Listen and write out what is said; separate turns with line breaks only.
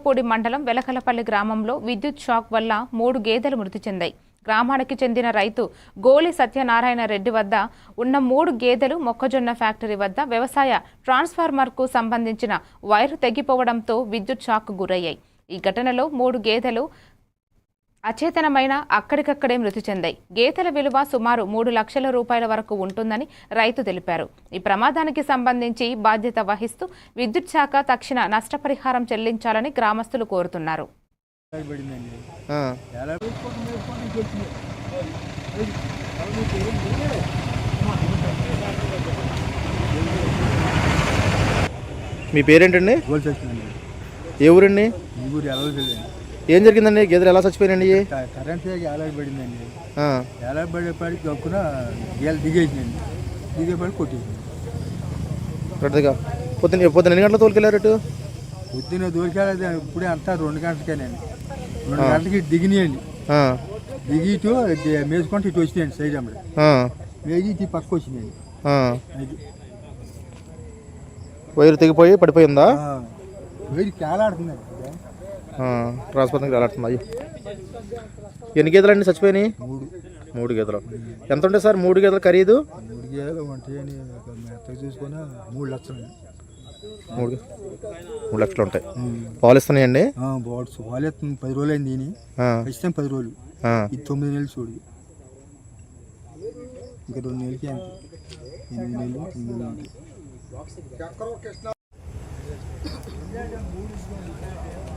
చింతలపూడి మండలం వెలకలపల్లి గ్రామంలో విద్యుత్ షాక్ వల్ల 3 గేదెలు మృతి చెందాయి. గ్రామానికి చెందిన రైతు గోలి సత్యనారాయణ రెడ్డి వద్ద ఉన్న 3 గేదెలు మొక్కజొన్న ఫ్యాక్టరీ వద్ద వ్యవసాయ ట్రాన్స్ఫార్మర్కు సంబంధించిన వైరు తెగిపోవడంతో విద్యుత్ షాక్ గురయ్యాయి. ఈ ఘటనలో 3 గేదెలు అచేతనమైన అక్కడికక్కడే మృతి చెందాయి. గేదెల విలువ సుమారు 3 లక్షల రూపాయల వరకు ఉంటుందని రైతు తెలిపారు. ఈ ప్రమాదానికి సంబంధించి బాధ్యత వహిస్తూ విద్యుత్ శాఖ తక్షణ నష్టపరిహారం చెల్లించాలని గ్రామస్తులు కోరుతున్నారు.
మీ పేరేంటండి? ఏ ఊరండి? ఏం జరిగిందండి? గేదెలు ఎలా చచ్చిపోయినండి?
కరెంట్ ఏలాడబడిందండి. ఏలాడబడేపాడికి గక్కున గేదెలు దిగేసిందండి. దిగేపాడి కొట్టేసింది.
పొద్దున్న ఎన్ని గంటల తోలుకెళ్ళారు?
పొద్దున్న తోలుకెళ్ళదు ఇప్పుడే అంతా 2 గంటలకేనండి. 2 గంటలకి దిగినాయండి. దిగి ఇటు మేసుకుంటే ఇటు వచ్చినాయండి. సైడ్ అమ్మడి మేగి ఇటు పక్క వచ్చినాయండి.
వైరు తెగిపోయి పడిపోయిందా?
వైరు కేలాడుతుందండి.
ట్రాన్స్ఫార్మర్కి వెళ్ళాడుతుంది. ఎన్ని గేదెలు అండి చచ్చిపోయినాయి? 3 గేదెలు. ఎంత ఉంటాయి సార్ 3 గేదెలు ఖరీదు?
3 గేదెలు ఉంటాయని చూసుకుని 3 లక్షలు.
3 లక్షలు ఉంటాయి. పాలు ఇస్తున్నాయండి?
పాలు ఇస్తుంది. 10 రోజులు అయింది. ఖచ్చితంగా 10 రోజులు. ఇది 9 నెలలు చూడు. ఇంకా 2 నెలలకి అంతే. 8 నెలలు 9 నెలలు.